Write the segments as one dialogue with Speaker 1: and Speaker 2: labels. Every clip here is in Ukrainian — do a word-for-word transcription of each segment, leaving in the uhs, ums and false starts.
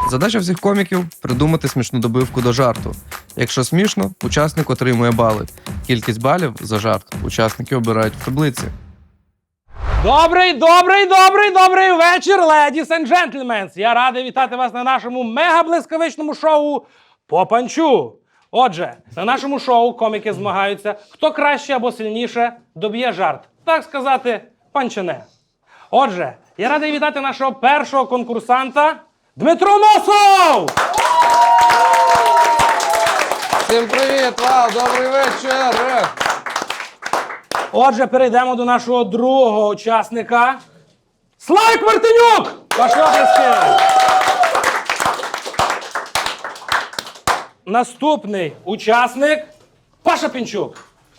Speaker 1: Задача всіх коміків – придумати смішну добивку до жарту. Якщо смішно, учасник отримує бали. Кількість балів за жарт учасники обирають в таблиці.
Speaker 2: Добрий, добрий, добрий, добрий вечір, ladies and gentlemen! Я радий вітати вас на нашому мега-блискавичному шоу «По панчу». Отже, на нашому шоу коміки змагаються, хто краще або сильніше доб'є жарт. Так сказати, панчане. Отже, я радий вітати нашого першого конкурсанта Дмитро Носов!
Speaker 1: Всім привіт! Вау, добрий вечір!
Speaker 2: Отже, перейдемо до нашого другого учасника. Славік Мартинюк! Ваші оплески! Наступний учасник Паша Пінчук.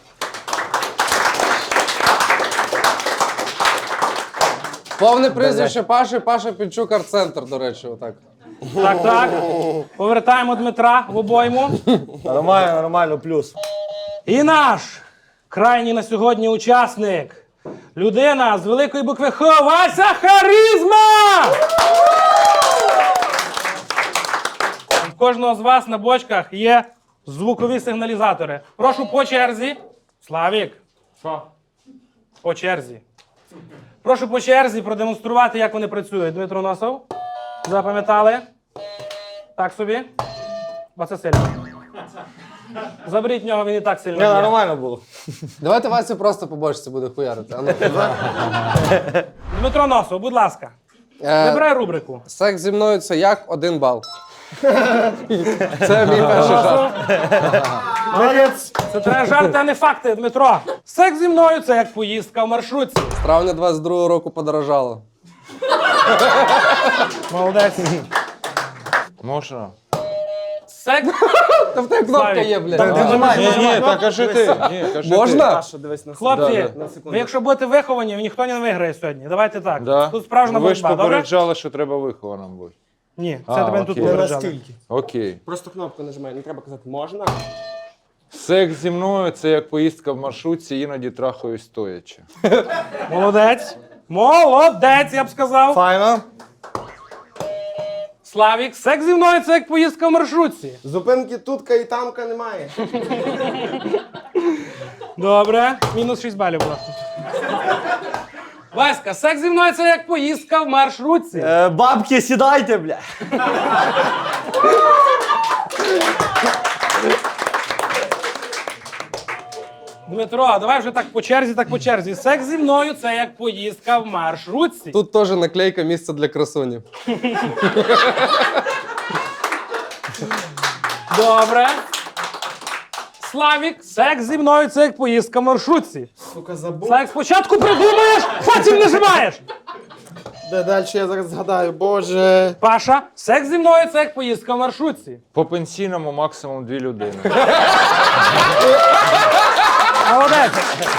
Speaker 1: Повне прізвище Паші, Паша Пінчук, арт-центр, до речі, отак.
Speaker 2: Так, так. Повертаємо Дмитра в обойму.
Speaker 3: Нормально, нормально, плюс.
Speaker 2: І наш крайній на сьогодні учасник. Людина з великої букви Х. Вася Харизма! В кожного з вас на бочках є звукові сигналізатори. Прошу по черзі. Славік. Що? По черзі. Прошу по черзі продемонструвати, як вони працюють. Дмитро Носов. Запам'ятали? Так собі. Бо це сильно. Заберіть в нього, він і так сильно.
Speaker 3: Не,
Speaker 2: б'є.
Speaker 3: нормально було.
Speaker 1: Давайте Вася просто по бочці буде хуярити. А ну.
Speaker 2: Дмитро Носов, будь ласка.
Speaker 1: Е,
Speaker 2: Вибирай рубрику.
Speaker 1: Секс зі мною – це як один бал. Це мій перший жарт.
Speaker 3: Молодець.
Speaker 2: Це треба жарти, а не факти, Дмитро. Секс зі мною – це як поїздка в маршрутці.
Speaker 1: З травня двадцять другого року подорожало.
Speaker 2: Молодець.
Speaker 4: Можна?
Speaker 2: Секс...
Speaker 1: Та в тебе кнопка є, блядь.
Speaker 4: Ні, ні, так кажи ти. Ні, кажи
Speaker 1: Можна?
Speaker 2: Хлопці,
Speaker 4: Да,
Speaker 2: ви якщо будете виховані, ніхто не виграє сьогодні. Давайте так.
Speaker 4: Да.
Speaker 2: Тут справжня
Speaker 4: Ви ж
Speaker 2: боротьба, добре?
Speaker 4: попереджали, що треба вихованим бути.
Speaker 2: Ні, це
Speaker 4: А,
Speaker 2: тебе тут
Speaker 4: окей.
Speaker 2: попереджали.
Speaker 4: Окей.
Speaker 5: Просто кнопку нажимай, не треба казати можна.
Speaker 4: Секс зі мною – це як поїздка в маршрутці, іноді трахаюсь стоячи.
Speaker 2: Молодець. Молодець, я б сказав.
Speaker 3: Файно.
Speaker 2: Славік, секс зі мною – це як поїздка в маршрутці.
Speaker 5: Зупинки тутка і тамка немає.
Speaker 2: Добре. Мінус шість балів, будь ласка. Васька, секс зі мною – це як поїздка в маршрутці.
Speaker 3: Е, бабки, сідайте, бля.
Speaker 2: Дмитро, давай вже так по черзі, так по черзі. Секс зі мною – це як поїздка в маршрутці.
Speaker 1: Тут теж наклейка «Місце для красуні».
Speaker 2: Добре. Славік, секс зі мною – це як поїздка в маршрутці.
Speaker 5: Сука, забув.
Speaker 2: Славік, спочатку придумаєш, потім нажимаєш.
Speaker 5: Де далі я зараз згадаю, боже.
Speaker 2: Паша, секс зі мною – це як поїздка в маршрутці.
Speaker 4: По пенсійному максимум дві людини.
Speaker 2: Молодець.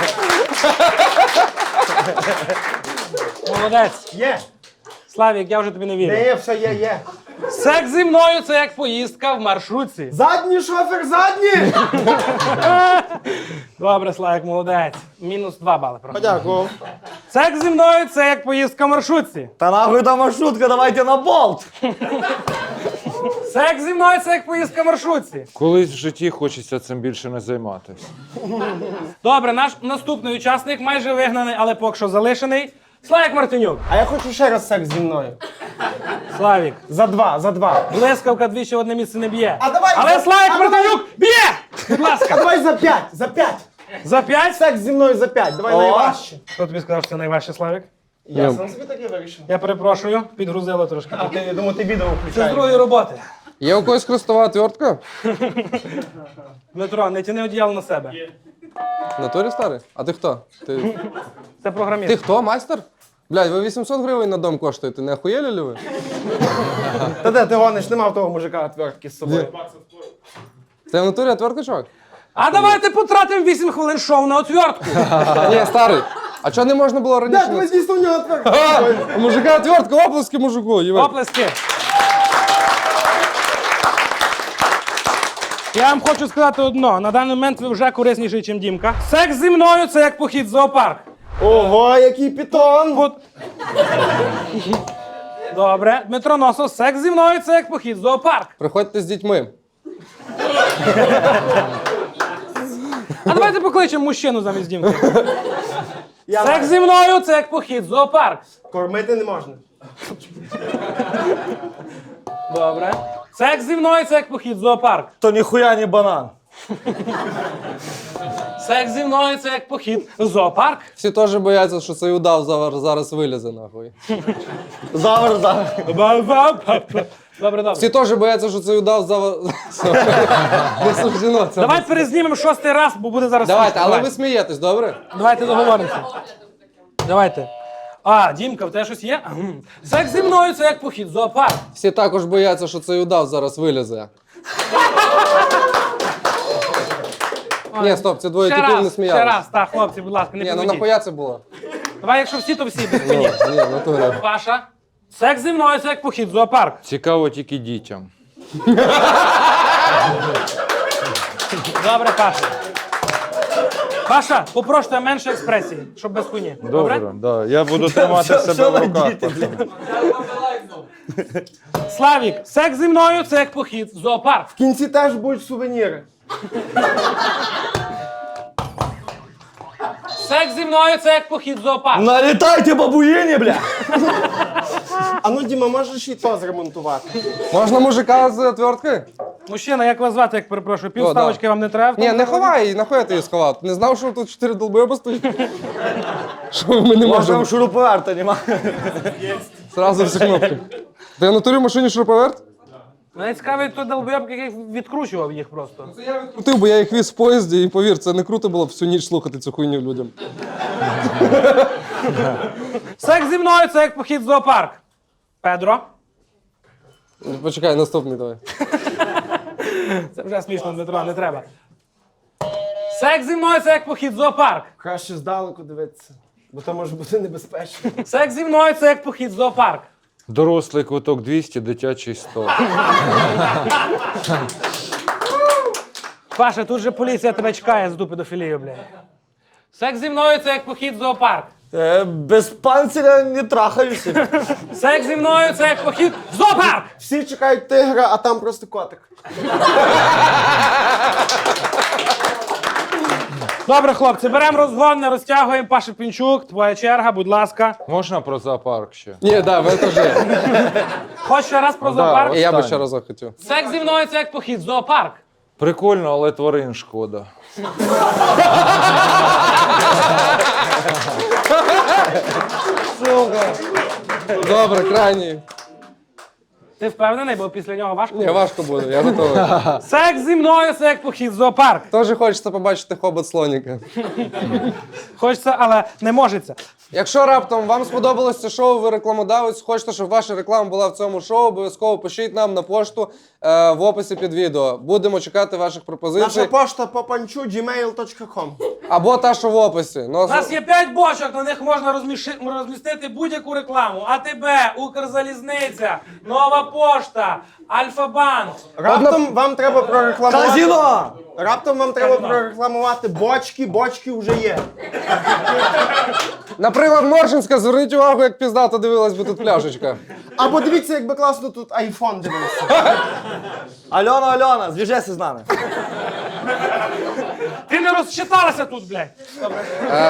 Speaker 2: Молодець.
Speaker 5: Є,
Speaker 2: Славік, я вже тобі не
Speaker 5: де
Speaker 2: вірю.
Speaker 5: є, все є, є.
Speaker 2: Секс зі мною – це як поїздка в маршрутці.
Speaker 5: Задній шофер, задній!
Speaker 2: Добре, Славік, молодець. Мінус два бали. Просто.
Speaker 5: Подякував.
Speaker 2: Секс зі мною – це як поїздка в маршрутці.
Speaker 3: Та нахуй та маршрутка, давайте на болт.
Speaker 2: Секс зі мною – це як поїздка в маршрутці.
Speaker 4: Колись в житті хочеться цим більше не займатися.
Speaker 2: Добре, наш наступний учасник майже вигнаний, але поки що залишений. Славік Мартинюк.
Speaker 5: А я хочу ще раз секс зі мною.
Speaker 2: Славік.
Speaker 5: За два, за два.
Speaker 2: Блискавка двічі в одне місце не б'є.
Speaker 5: А давай-
Speaker 2: Але
Speaker 5: а
Speaker 2: Славік
Speaker 5: давай-
Speaker 2: Мартинюк б'є! Будь
Speaker 5: А
Speaker 2: ласка.
Speaker 5: давай за п'ять, за п'ять.
Speaker 2: За п'ять?
Speaker 5: Секс зі мною за п'ять, давай
Speaker 3: О.
Speaker 5: найважче.
Speaker 2: Хто тобі сказав, що це найважче, Славік?
Speaker 5: Я сам собі таке вирішив.
Speaker 2: Я перепрошую, підгрузило трошки.
Speaker 5: А ти, я думаю, ти відео
Speaker 2: Це з
Speaker 5: включаєш.
Speaker 2: другої роботи.
Speaker 1: Є у когось хрестова отвертка?
Speaker 2: Дмитро, не тяни одіяло на себе.
Speaker 1: В натурі старий? А ти хто? Ти,
Speaker 2: Це програміст.
Speaker 1: ти хто, майстер? Блядь, ви вісімсот гривень на дом коштуєте, не охуєлі ли ви?
Speaker 5: Та де ти гониш, нема в того мужика отвертки з собою.
Speaker 1: Це в натурі отвертка, чувак?
Speaker 2: А давайте потратимо вісім хвилин шоу на отвертку.
Speaker 1: Ні, старий. А чого не можна було раніше?
Speaker 5: Де, ви дійсно в нього отвертка?
Speaker 1: А, у мужика отвертка, оплески мужику. їбать.
Speaker 2: Оплески. Я вам хочу сказати одно. На даний момент ви вже корисніший, ніж Дімка. Секс зі мною – це як похід в зоопарк.
Speaker 5: Ого, який пітон!
Speaker 2: От. Добре. Дмитро Носов, секс зі мною це як похід в зоопарк.
Speaker 5: Приходьте з дітьми.
Speaker 2: А давайте покличемо мужчину замість дімки. Секс зі мною це як похід в зоопарк.
Speaker 5: Кормити не можна.
Speaker 2: Добре. Секс зі мною це як похід в зоопарк.
Speaker 3: То ніхуя не банан.
Speaker 2: Секс зі мною це як похід в зоопарк.
Speaker 6: Всі теж бояться, що цей удав зараз, зараз вилізе, нахуй.
Speaker 3: Завар, завар.
Speaker 2: Добре, добре.
Speaker 6: Всі теж бояться, що цей удав зараз... Не суждено це.
Speaker 2: Давайте перезнімемо шостий раз, бо буде зараз.
Speaker 6: Давайте,
Speaker 2: смішно.
Speaker 6: але
Speaker 2: Давай.
Speaker 6: ви смієтесь, добре?
Speaker 2: Давайте договоримося. Давайте. А, Дімка, в тебе щось є? Ага. Секс зі мною це як похід в зоопарк.
Speaker 6: Всі також бояться, що цей удав зараз вилізе. Ні, стоп, це двоє
Speaker 2: Ще
Speaker 6: типів не
Speaker 2: раз,
Speaker 6: сміялись.
Speaker 2: ще раз, так, хлопці, будь ласка, не
Speaker 6: Ні, ну
Speaker 2: підведіть.
Speaker 6: нахуя це було?
Speaker 2: Давай, якщо всі, то всі без
Speaker 6: Ні,
Speaker 2: мені.
Speaker 6: ні, в натурі.
Speaker 2: Паша. Секс зі мною це як похід в зоопарк.
Speaker 4: Цікаво тільки дітям.
Speaker 2: Добре, Паша. Паша, попрошу тебе менше експресії, щоб без хуйні. Добре?
Speaker 4: Добре, да. Я буду тримати
Speaker 3: Що-
Speaker 4: себе
Speaker 3: що
Speaker 4: в
Speaker 3: ви
Speaker 4: руках.
Speaker 3: діти,
Speaker 4: пацани.
Speaker 2: Славік, секс зі мною це як похід в зоопарк.
Speaker 5: В кінці теж будуть сувеніри.
Speaker 2: Секс зі мною це як похід в зоопарк.
Speaker 3: Налітайте, бабуїні, бля.
Speaker 5: А ну, Діма, можеш і то зремонтувати?
Speaker 6: Можна мужика з отвертки?
Speaker 2: Мужчина, як вас звати, як перепрошую?
Speaker 6: О,
Speaker 2: Півставочки
Speaker 6: да.
Speaker 2: вам не треба? в
Speaker 6: Ні,
Speaker 2: тому
Speaker 6: не
Speaker 2: законі?
Speaker 6: ховай її, нахуя ти її сховав? Ти не знав, що тут чотири долбойоба стоїть? Що ми не
Speaker 3: Може,
Speaker 6: можемо?
Speaker 3: там шуруповерта нема.
Speaker 6: Зразу всі кнопки. Ти в натурі в машині шуруповерт?
Speaker 2: Мене цікавий той долбойоб, який відкручував їх просто.
Speaker 6: Я відкрутив, бо я їх віз в поїзді, і повір, це не круто було всю ніч слухати цю хуйню людям.
Speaker 2: Секс зі мною це як похід в зоопарк. Педро.
Speaker 6: Почекай, наступний давай.
Speaker 2: Це вже смішно, Дмитро, не треба. Секс зі мною це як похід в зоопарк.
Speaker 5: Краще здалеку дивитися, бо то може бути небезпечно.
Speaker 2: Секс зі мною це як похід в зоопарк.
Speaker 4: Дорослий квиток двісті, дитячий сто.
Speaker 2: Паша, тут же поліція тебе чекає з дупи до філію, блядь. Секс зі мною це як похід в зоопарк.
Speaker 3: Е, Без панциря не трахаюся.
Speaker 2: Секс зі мною це як похід в зоопарк.
Speaker 5: Всі чекають тигра, а там просто котик.
Speaker 2: Добре, хлопці, беремо розгон, не розтягуємо. Паша Пінчук, твоя черга, будь ласка.
Speaker 4: Можна про зоопарк ще?
Speaker 6: Ні, да, ви теж.
Speaker 2: Хоч ще раз про
Speaker 4: Да,
Speaker 2: зоопарк?
Speaker 6: І я би
Speaker 4: Останнє.
Speaker 6: ще разок хотів.
Speaker 2: Секс зі мною це як похід в зоопарк.
Speaker 4: Прикольно, але тварин шкода.
Speaker 6: Добре, крайній.
Speaker 2: Ти впевнений, бо після нього важко?
Speaker 6: Ні, важко буде, я готовий.
Speaker 2: Секс зі мною це як похід в зоопарк.
Speaker 6: Теж хочеться побачити хобот слоніка.
Speaker 2: Хочеться, але не можеться.
Speaker 6: Якщо раптом вам сподобалось це шоу, ви рекламодавець, хочете, щоб ваша реклама була в цьому шоу, обов'язково пишіть нам на пошту е, в описі під відео. Будемо чекати ваших пропозицій.
Speaker 5: Наша пошта попанчу джімейл точка ком.
Speaker 6: Або та, що в описі. Ну,
Speaker 2: У нас є п'ять бочок, на них можна розміши- розмістити будь-яку рекламу. АТБ, Укрзалізниця, Нова пошта, Альфа-банк.
Speaker 5: Раптом вам треба прорекламувати.
Speaker 3: Казіно!
Speaker 5: Раптом вам треба прорекламувати бочки, бочки вже є.
Speaker 6: Наприклад, Моршинська, зверніть увагу, як піздато дивилась би тут пляшечка.
Speaker 5: Або дивіться, якби класно тут айфон дивився.
Speaker 3: Альона, Альона, зв'яжися з нами.
Speaker 2: Ти не розчиталася тут, блядь. Добре.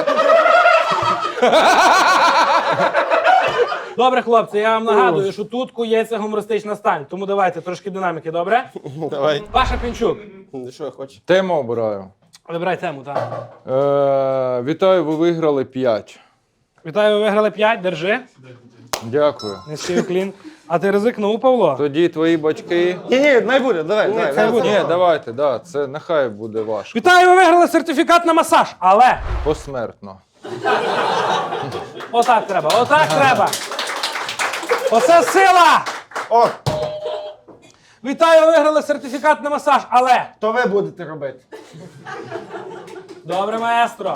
Speaker 2: Добре, хлопці, я вам нагадую, що тут кується гумористична сталь. Тому давайте трошки динаміки, добре?
Speaker 5: Давай.
Speaker 2: Паша Пінчук.
Speaker 5: Що я хочу?
Speaker 4: Тему обираю.
Speaker 2: Вибирай тему, так.
Speaker 4: Е, вітаю, ви виграли п'ять.
Speaker 2: Вітаю, ви виграли п'ять, держи.
Speaker 4: Дякую.
Speaker 2: Низький уклін. А ти ризикнув, Павло?
Speaker 4: Тоді твої батьки.
Speaker 3: Ні, ні, не буде, давай, давай.
Speaker 2: Хай буде.
Speaker 4: Ні, давайте, да, це нехай буде важко.
Speaker 2: Вітаю, ви виграли сертифікат на масаж, але
Speaker 4: Посмертно.
Speaker 2: отак треба, отак треба. Оце сила!
Speaker 5: О,
Speaker 2: Вітаю, ви виграли сертифікат на масаж, але...
Speaker 5: то ви будете робити.
Speaker 2: Добре, маестро.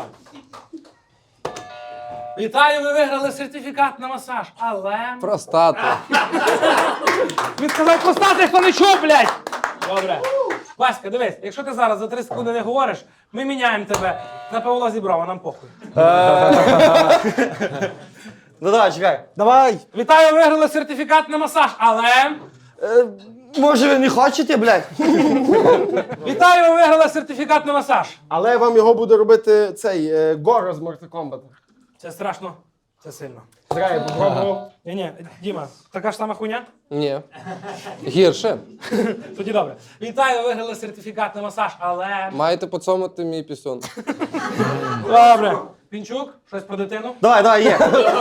Speaker 2: Вітаю, ви виграли сертифікат на масаж, але...
Speaker 6: Простату.
Speaker 2: Він сказав простати, хто не чув, блядь! Добре. Васька, дивись, якщо ти зараз за три секунди не говориш, ми міняємо тебе на Павла Зіброва, нам похуй.
Speaker 3: Ну давай, чекай.
Speaker 5: Давай.
Speaker 2: Вітаю, виграли сертифікат на масаж, але.
Speaker 3: Е, може ви не хочете, блядь?
Speaker 2: Вітаю, ви виграли сертифікат на масаж.
Speaker 5: Але вам його буде робити цей е, Горо з Mortal Kombat.
Speaker 2: Це страшно, це сильно.
Speaker 5: Зря я попробував.
Speaker 2: Ні, ні, Діма, така ж сама хуйня?
Speaker 6: Ні. Гірше.
Speaker 2: Тоді добре. Вітаю, ви виграли сертифікат на масаж, але.
Speaker 6: Маєте поцьомати мій пісюн.
Speaker 2: Добре. Пінчук, щось про дитину?
Speaker 3: Давай, давай, є.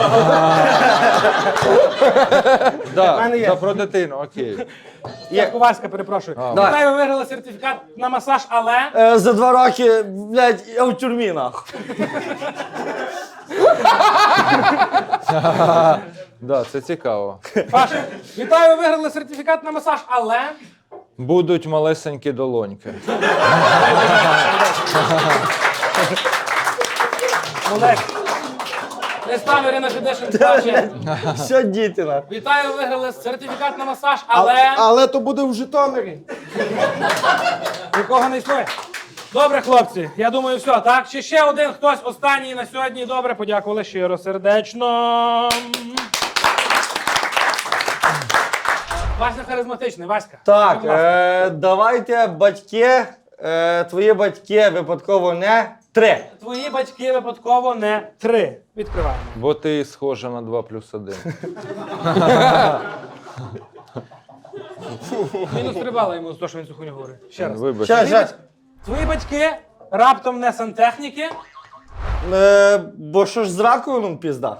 Speaker 4: Да,
Speaker 5: мене є.
Speaker 4: за про дитину, окей.
Speaker 2: Є. Васька, перепрошую.
Speaker 3: Давай.
Speaker 2: Вітаю, ви виграли сертифікат на масаж, але.
Speaker 3: Е, за два роки, блядь, я в тюрмі, нахуй.
Speaker 4: Да, це цікаво.
Speaker 2: Паша, вітаю, ви виграли сертифікат на масаж, але.
Speaker 4: Будуть малесенькі долоньки.
Speaker 2: Молодець. Не став Ірина Федишин плаче.
Speaker 3: Що діти, нахуй.
Speaker 2: Вітаю, ви виграли сертифікат на масаж, але.
Speaker 5: Але то буде в Житомирі.
Speaker 2: Нікого не існує. Добре, хлопці, я думаю, все, так? Чи ще один хтось останній на сьогодні? Добре, подякували щиро, сердечно. Вася харизматичний, Васька.
Speaker 3: Так,
Speaker 2: будь ласка.
Speaker 3: е, давайте, батьки, е, твої батьки випадково не три.
Speaker 2: Твої батьки випадково не три. Відкриваємо.
Speaker 4: Бо ти схожа на два плюс один.
Speaker 2: Мінус три бали йому за те, що він цю хуйню говорить. Ще раз.
Speaker 4: Вибач.
Speaker 3: Щас, щас.
Speaker 2: Твої батьки раптом не сантехніки.
Speaker 3: Е, бо що ж з раковином пізда?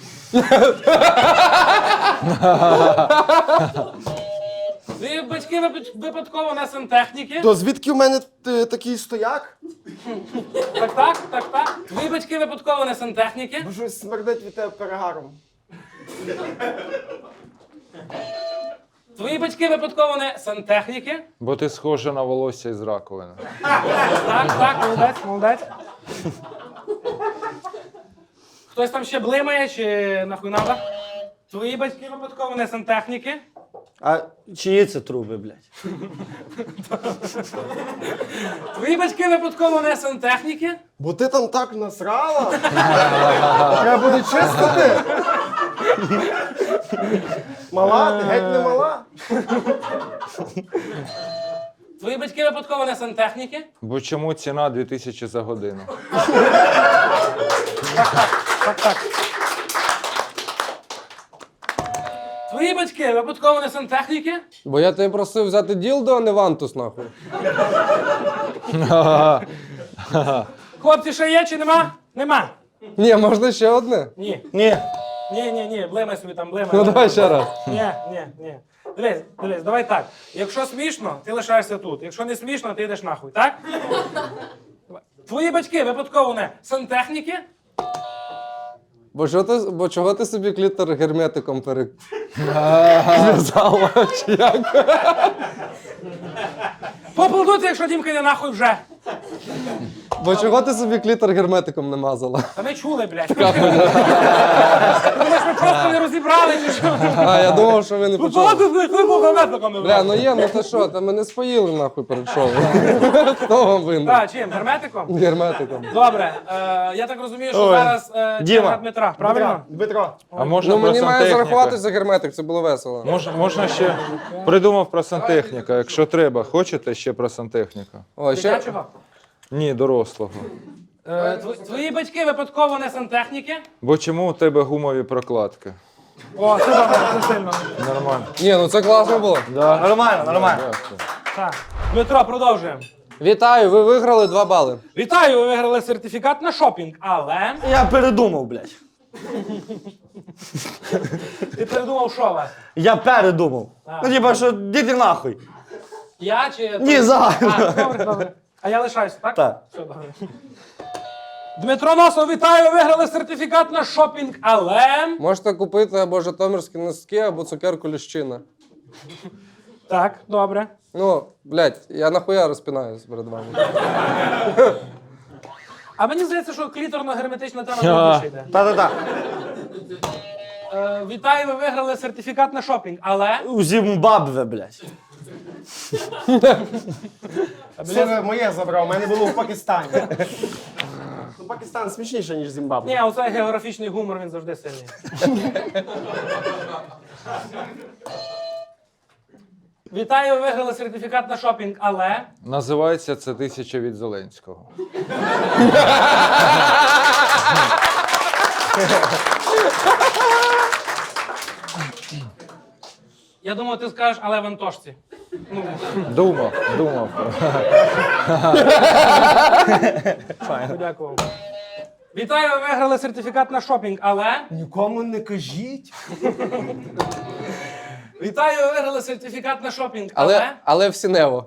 Speaker 2: Твої батьки випад- випадково не сантехніки.
Speaker 5: То звідки в мене е, такий стояк?
Speaker 2: Так, так, так, так. Твої батьки випадково не сантехніки.
Speaker 5: Бо щось смердить від тебе перегаром.
Speaker 2: Твої батьки випадково не сантехніки.
Speaker 4: Бо ти схожа на волосся із раковини.
Speaker 2: Так, так, молодець, молодець. Хтось там ще блимає чи нахуй надо? Твої батьки випадково не сантехніки.
Speaker 3: А чиї це труби, блядь?
Speaker 2: Твої батьки випадково не сантехніки.
Speaker 5: Бо ти там так насрала. Треба буде чистити. Мала, ти геть не мала.
Speaker 2: Твої батьки випадково не сантехніки.
Speaker 4: Бо чому ціна дві тисячі за годину?
Speaker 2: Так, так. Твої батьки випадково не сантехніки.
Speaker 6: Бо я тебе просив взяти ділдо, а не вантус, нахуй.
Speaker 2: Хлопці, ще є чи нема? Нема.
Speaker 6: Ні, можна ще одне?
Speaker 2: Ні.
Speaker 3: Ні.
Speaker 2: Ні, ні, ні, блимай собі там, блимай.
Speaker 6: Ну давай ще раз.
Speaker 2: Ні, ні, ні. Дивись, дивись, давай так. Якщо смішно, ти лишаєшся тут. Якщо не смішно, ти йдеш нахуй, так? Давай. Твої батьки випадково не сантехніки.
Speaker 6: Бо, що ти, бо чого ти собі клітор герметиком перев'язала? Чи як?
Speaker 2: Поаплодуйте, якщо Дімка не нахуй вже.
Speaker 6: Бо чого ти собі клітор герметиком не мазала?
Speaker 2: Та ми чули, блядь. Ти думаєш, ми просто не розібрали, чи що?
Speaker 6: А, я думав, що ви не
Speaker 2: Ну,
Speaker 6: почули.
Speaker 2: ти блядь, ви був
Speaker 6: Бля, ну є, ну ти що, та ми не споїли нахуй перед шоу. Хто вам винен?
Speaker 2: Так, чим? Герметиком?
Speaker 6: Герметиком.
Speaker 2: Добре, е, я так розумію, що
Speaker 3: Ой.
Speaker 2: зараз е,
Speaker 3: Діма.
Speaker 2: черга Дмитра, правильно?
Speaker 5: Дмитро.
Speaker 4: А можна
Speaker 6: Ну
Speaker 4: про
Speaker 6: мені має
Speaker 4: сантехніка?
Speaker 6: зарахуватися за герметик, це було весело.
Speaker 4: Можна, можна ще придумав про сантехніка. Якщо треба, хочете ще про сантехніка?
Speaker 6: О, ще...
Speaker 2: Дитячого?
Speaker 4: Ні, дорослого.
Speaker 2: Е, тв- Твої батьки випадково не сантехніки?
Speaker 4: Бо чому у тебе гумові прокладки?
Speaker 2: О, це добре, це сильно.
Speaker 4: Нормально.
Speaker 6: Ні, ну це класно було.
Speaker 3: Нормально, нормально.
Speaker 4: Дякую.
Speaker 2: Так. Дмитро, продовжуємо.
Speaker 6: Вітаю, ви виграли два бали.
Speaker 2: Вітаю, ви виграли сертифікат на шопінг, але
Speaker 3: Я передумав, блядь.
Speaker 2: ти передумав, що вас?
Speaker 3: Я передумав.
Speaker 2: А.
Speaker 3: Ну, типа, що діти нахуй.
Speaker 2: Я чи...
Speaker 3: Ні, загально.
Speaker 2: А, добре, добре. А я лишаюся, так?
Speaker 3: Так.
Speaker 2: Все, добре. Дмитро Носов, вітаю, ви виграли сертифікат на шопінг, але...
Speaker 6: Можете купити або житомирські носки, або цукерку Ліщина.
Speaker 2: Так, добре.
Speaker 6: Ну, блядь, я нахуя розпинаюсь перед вами.
Speaker 2: А мені здається, що кліторно-герметична тема більше йде.
Speaker 3: Та-та-та.
Speaker 2: Е, вітаю, ви виграли сертифікат на шопінг, але...
Speaker 3: У Зімбабве, блядь.
Speaker 5: Це ви моє забрав, у мене було в Пакистані. Пакистан смішніше, ніж Зімбабве.
Speaker 2: Ні, оцей географічний гумор, він завжди сильний. Вітаю, ви виграли сертифікат на шопінг, але...
Speaker 4: Називається це тисяча від Зеленського.
Speaker 2: Я думав, ти скажеш, але в Антошці. Ну,
Speaker 4: Думав, думав.
Speaker 2: подякував. Вітаю, ви виграли сертифікат на шопінг, але...
Speaker 5: Нікому не кажіть.
Speaker 2: Вітаю, ви виграли сертифікат на шопінг, але...
Speaker 6: Але, але в Сінево.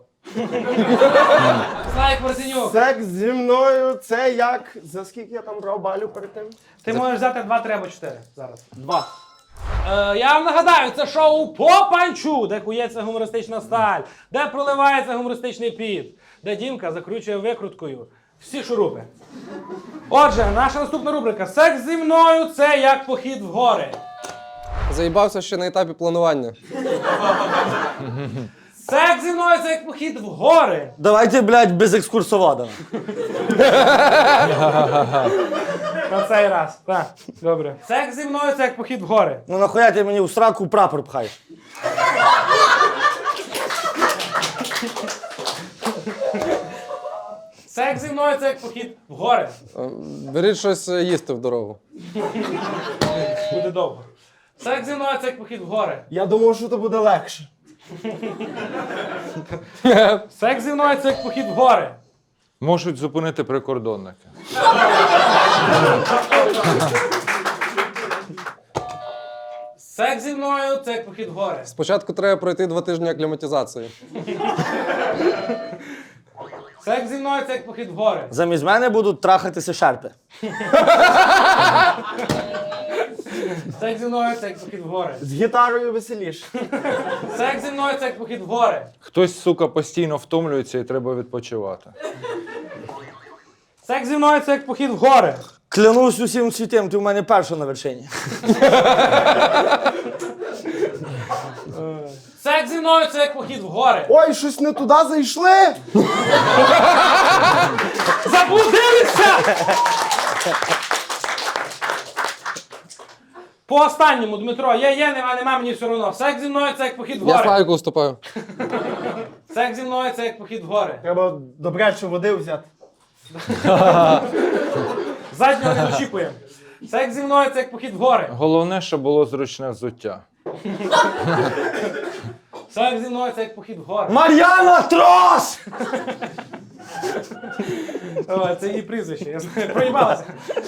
Speaker 2: Слайк Мартинюк,
Speaker 5: Секс зі мною це як. За скільки я там брав балю перед тим?
Speaker 2: ти можеш взяти два, три або чотири зараз.
Speaker 5: Два.
Speaker 2: Е, я вам нагадаю, це шоу «По панчу», де кується гумористична сталь, де проливається гумористичний піт, де Дімка закручує викруткою всі шурупи. Отже, наша наступна рубрика «Секс зі мною – це як похід в гори».
Speaker 6: Заїбався ще на етапі планування.
Speaker 2: Секс зі мною – це як похід в гори.
Speaker 3: Давайте, блядь, без екскурсовода.
Speaker 2: На цей раз. Так, добре. Секс зі мною – це як похід в гори.
Speaker 3: Ну нахуя ти мені у сраку прапор пхаєш?
Speaker 2: Секс зі мною – це як похід в гори.
Speaker 6: Е, Беріть щось е, їсти в дорогу.
Speaker 2: Буде довго. Секс зі мною – це як похід в гори.
Speaker 5: Я думав, що це буде легше.
Speaker 2: Секс зі мною – це як похід в гори.
Speaker 4: Можуть зупинити прикордонники.
Speaker 2: Секс зі мною – це як похід в гори.
Speaker 6: Спочатку треба пройти два тижні акліматизації.
Speaker 2: Секс зі мною – це як похід в гори.
Speaker 3: Замість мене будуть трахатися шерпи.
Speaker 2: Секс зі мною – це як похід в гори.
Speaker 5: З гітарою веселіше.
Speaker 2: Секс зі мною – це як похід в гори.
Speaker 4: Хтось, сука, постійно втомлюється і треба відпочивати.
Speaker 2: Секс зі мною – це як похід в гори.
Speaker 3: Клянусь усім світим, ти в мене перша на вершині.
Speaker 2: Секс зі мною – це як похід в гори.
Speaker 5: Ой, щось не туди зайшли.
Speaker 2: Заблудилися! По останньому, Дмитро, є, є, нема, нема, мені все одно. Секс зі мною – це як похід в
Speaker 6: Я
Speaker 2: гори.
Speaker 6: Славіку уступаю.
Speaker 2: Секс зі мною – це як похід в гори.
Speaker 5: Треба добряче води взяти.
Speaker 2: Заднього не очікуємо. Секс зі мною – це як похід в гори.
Speaker 4: Головне, щоб було зручне взуття.
Speaker 2: Секс зі мною – це як похід в гори.
Speaker 3: Мар'яна Трос!
Speaker 2: О, це її прізвище, я знаю. Проїбалася.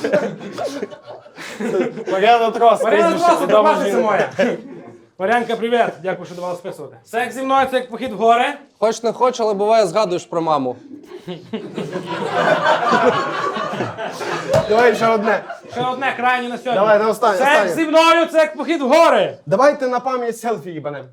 Speaker 5: Мар'яна Трос.
Speaker 2: Мар'яна
Speaker 5: прізвище,
Speaker 2: Трос,
Speaker 5: відома
Speaker 2: це
Speaker 5: жінка.
Speaker 2: моя. Мар'янка, привіт. Дякую, що давала списувати. Секс зі мною – це як похід в гори.
Speaker 6: Хоч не хоч, але буває згадуєш про маму.
Speaker 5: Давай ще одне.
Speaker 2: Ще одне крайнє на сьогодні.
Speaker 5: Давай, на останнє,
Speaker 2: Секс
Speaker 5: останнє.
Speaker 2: зі мною – це як похід в гори.
Speaker 5: Давайте на пам'ять селфі їбанем.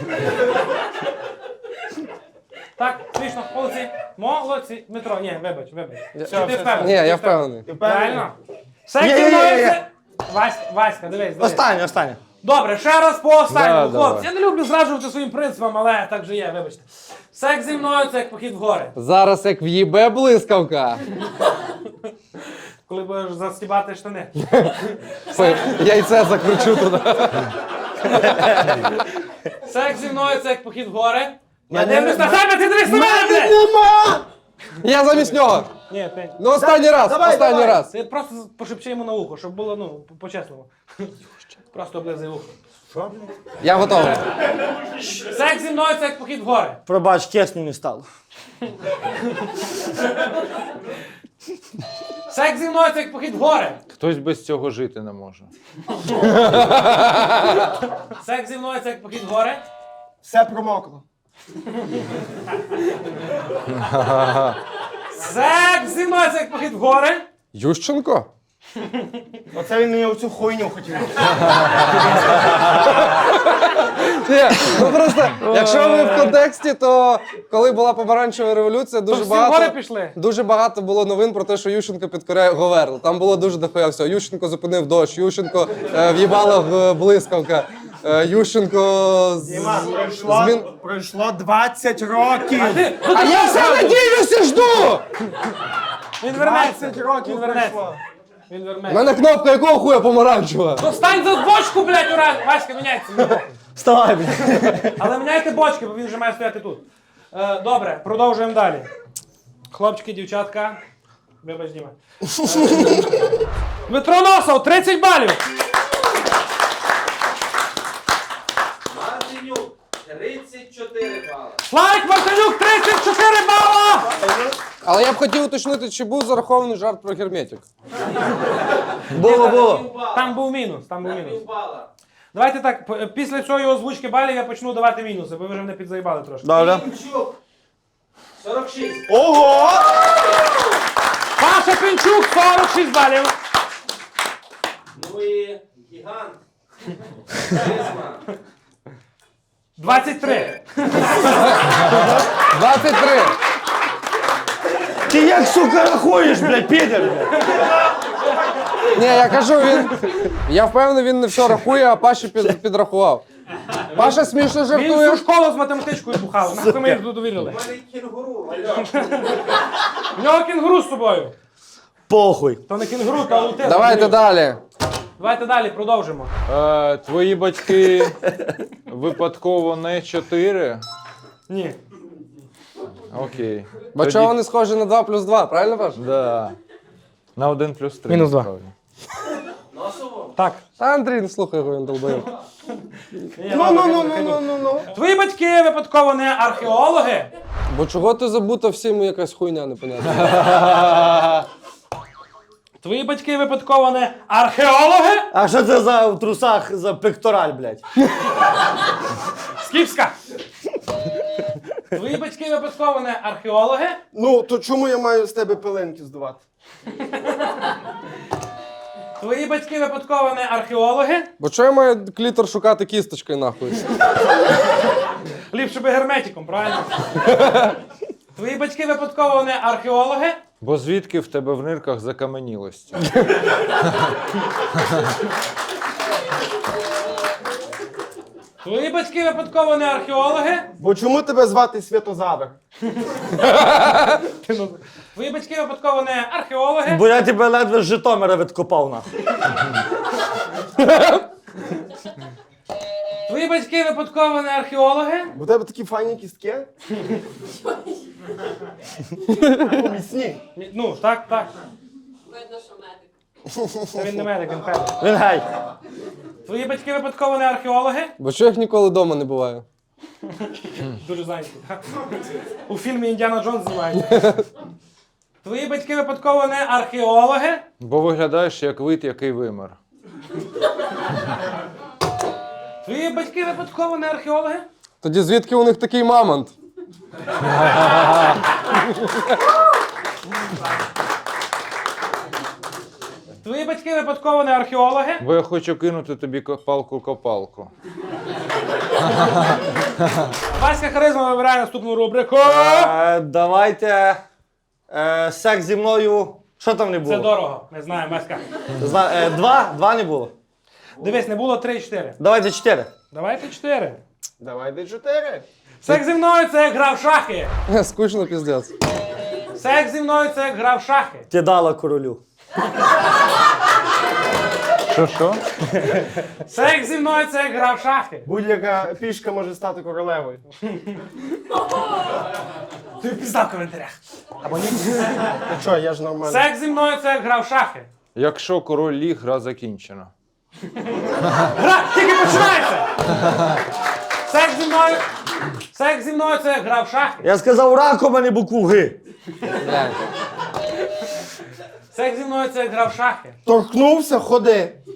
Speaker 2: Так, смішно, молодці. Молодці. Дмитро, ні, вибач, вибач. Все,
Speaker 6: Ні,
Speaker 2: ти впевнений?
Speaker 6: я впевнений.
Speaker 5: Ти впевнений?
Speaker 2: Правильно? Секс зі
Speaker 3: Ні, ні,
Speaker 2: мною –
Speaker 3: ні, ні.
Speaker 2: це... Васька, Васька, дивись, дивись.
Speaker 3: Останнє, останнє.
Speaker 2: Добре, ще раз по останньому,
Speaker 4: Да,
Speaker 2: хлопці.
Speaker 4: давай.
Speaker 2: Я не люблю зраджувати своїм принципам, але так же є, вибачте. Секс зі мною – це як похід в гори.
Speaker 6: Зараз як в'їбе блискавка.
Speaker 2: Коли будеш застібати штани.
Speaker 6: Це яйце закручу туди.
Speaker 2: Секс зі мною – це як похід в гори. Я
Speaker 3: Я не-
Speaker 2: дивлюсь на себе, ти дивись на мене, блядь!
Speaker 5: Нема!
Speaker 6: Я замість нього.
Speaker 2: Ні, ти.
Speaker 6: Ну останній раз,
Speaker 5: давай,
Speaker 6: останній
Speaker 5: давай.
Speaker 6: раз.
Speaker 2: Ти просто пошепчи йому на ухо, щоб було, ну, по-чесному. Просто облизай ухо.
Speaker 6: Я готовий.
Speaker 2: Секс зі мною – це як похід в гори.
Speaker 3: Пробач, чесно не стало.
Speaker 2: Секс зі мною – це як похід в гори.
Speaker 4: Хтось без цього жити не може.
Speaker 2: Секс зі мною – це як похід в гори.
Speaker 5: Все промокло.
Speaker 2: Секс зі мною – це як похід в гори.
Speaker 6: Ющенко?
Speaker 5: Оце він мені оцю хуйню хотів.
Speaker 6: Ні, ну просто, якщо ви в контексті, то коли була помаранчева революція, дуже
Speaker 2: всі в гори
Speaker 6: багато,
Speaker 2: пішли.
Speaker 6: дуже багато було новин про те, що Ющенко підкоряє Говерл. Там було дуже дохуя всього. Ющенко зупинив дощ, Ющенко е, в'їбала в блискавка, е, Ющенко з...
Speaker 5: Діма, пройшло,
Speaker 6: змін...
Speaker 5: пройшло двадцять років.
Speaker 6: А я все надіюся, жду!
Speaker 2: Він вернеться.
Speaker 5: двадцять років
Speaker 2: Він вернеться.
Speaker 5: пройшло.
Speaker 2: Він
Speaker 6: У
Speaker 2: вернеться.
Speaker 6: мене кнопка якого хуя помаранчева?
Speaker 2: Ну стань за бочку, блядь, ура! Васька, міняється. мені похуй.
Speaker 3: Вставай, блядь.
Speaker 2: Але міняйте бочки, бо він вже має стояти тут. Е, добре, продовжуємо далі. Хлопчики, дівчатка. Вибач, Діма. Е, Дмитро Носов, тридцять балів.
Speaker 7: Мартинюк, тридцять чотири бали.
Speaker 2: Славік Мартинюк, тридцять чотири бала.
Speaker 6: Але я б хотів уточнити, чи був зарахований жарт про герметик.
Speaker 3: Було, було.
Speaker 2: Там був мінус, там був мінус.
Speaker 7: Півбала.
Speaker 2: Давайте так, п- після цієї озвучки балів я почну давати мінуси, бо ви вже мене підзаїбали трошки.
Speaker 3: Добре.
Speaker 7: Пінчук, сорок шість.
Speaker 5: Ого!
Speaker 2: Паша Пінчук, сорок шість балів.
Speaker 7: Ну і гігант. Харизма.
Speaker 2: двадцять три.
Speaker 6: двадцять три.
Speaker 3: Ти як, сука, рахуєш, блядь, підер, блядь?
Speaker 6: Ні, я кажу, він. Я впевнений, він не все рахує, а Паші під, підрахував. Паша смішно
Speaker 2: Він
Speaker 6: жартує.
Speaker 2: всю школу з математичкою бухав. Нахуй ми їх тут довірили.
Speaker 7: У мене кінгуру.
Speaker 2: В нього кінгуру з собою.
Speaker 3: Похуй.
Speaker 2: То не кінгуру, то аутизм.
Speaker 6: Давайте далі.
Speaker 2: Давайте далі, продовжимо.
Speaker 4: Е, твої батьки випадково не чотири?
Speaker 2: Ні.
Speaker 4: Окей.
Speaker 6: Бо чого вони схожі на два плюс два, правильно Паш?
Speaker 4: Да. На один плюс три.
Speaker 2: Мінус два.
Speaker 4: насправді.
Speaker 7: Носово.
Speaker 2: Так.
Speaker 6: Та Андрій, не слухай його, він долбоєв.
Speaker 5: Ну, ну, ну, ну, ну, ну, ну.
Speaker 2: Твої батьки випадково не археологи?
Speaker 6: Бо чого ти забута всім якась хуйня непонятна.
Speaker 2: Твої батьки випадково не археологи?
Speaker 3: А що це за в трусах за пектораль, блядь?
Speaker 2: Скіпська. Твої батьки випадково не археологи?
Speaker 5: Ну, то чому я маю з тебе пилинки здувати?
Speaker 2: Твої батьки випадково не археологи?
Speaker 6: Бо чого я маю клітор шукати кісточкою нахуй?
Speaker 2: Ліпше би герметиком, правильно? Твої батьки випадково не археологи?
Speaker 4: Бо звідки в тебе в нирках закаменілості?
Speaker 2: Твої батьки випадково не археологи?
Speaker 5: Бо чому тебе звати Святозавр?
Speaker 2: Твої батьки випадково не археологи?
Speaker 3: Бо я тебе ледве з Житомира відкопав, нахуй.
Speaker 2: Твої батьки випадково не археологи?
Speaker 5: Бо у тебе такі файні кістки. Міцні.
Speaker 2: Ні, ну, так, так.
Speaker 8: Видно, що медик.
Speaker 2: Це він не медик, він педик.
Speaker 3: Він гей.
Speaker 2: Твої батьки випадково не археологи?
Speaker 6: Бо чого їх ніколи вдома не буває?
Speaker 2: Дуже зайняті. У фільмі Індіана Джонс знімають. Твої батьки випадково не археологи?
Speaker 4: Бо виглядаєш як вид, який вимер.
Speaker 2: Твої батьки випадково не археологи?
Speaker 6: Тоді звідки у них такий мамонт?
Speaker 2: Твої батьки випадково не археологи?
Speaker 4: Бо я хочу кинути тобі палку-копалку.
Speaker 2: Васька Харизма вибирає наступну рубрику.
Speaker 3: Е, давайте. Е, секс зі мною. Що там не
Speaker 2: Це
Speaker 3: було?
Speaker 2: дорого, ми знаємо, Васька.
Speaker 3: Зна- е, два? Два не було.
Speaker 2: Дивись, не було три-чотири.
Speaker 3: Давайте чотири.
Speaker 2: Давайте чотири.
Speaker 5: Давай де чотири.
Speaker 2: Секс зі мною це як гра в шахи.
Speaker 6: Скучно піздець.
Speaker 2: Секс зі мною це як гра в шахи.
Speaker 3: Ти дала королю.
Speaker 4: Що що?
Speaker 2: Секс зі мною це як гра в шахи.
Speaker 5: Будь-яка пішка може стати королевою.
Speaker 2: Ти пізда в коментарях. Або ні.
Speaker 5: Та що, я ж нормально.
Speaker 2: Секс зі мною це як гра в шахи.
Speaker 4: Якщо король ліг, гра закінчена.
Speaker 2: Гра тільки починається. Секс зі мною. Секс зі мною це як гра в шахи.
Speaker 3: Я сказав раком, а не букву Г.
Speaker 6: Блядь.
Speaker 2: Секс зі мною це як гра в шахи.
Speaker 5: Торкнувся, ходи.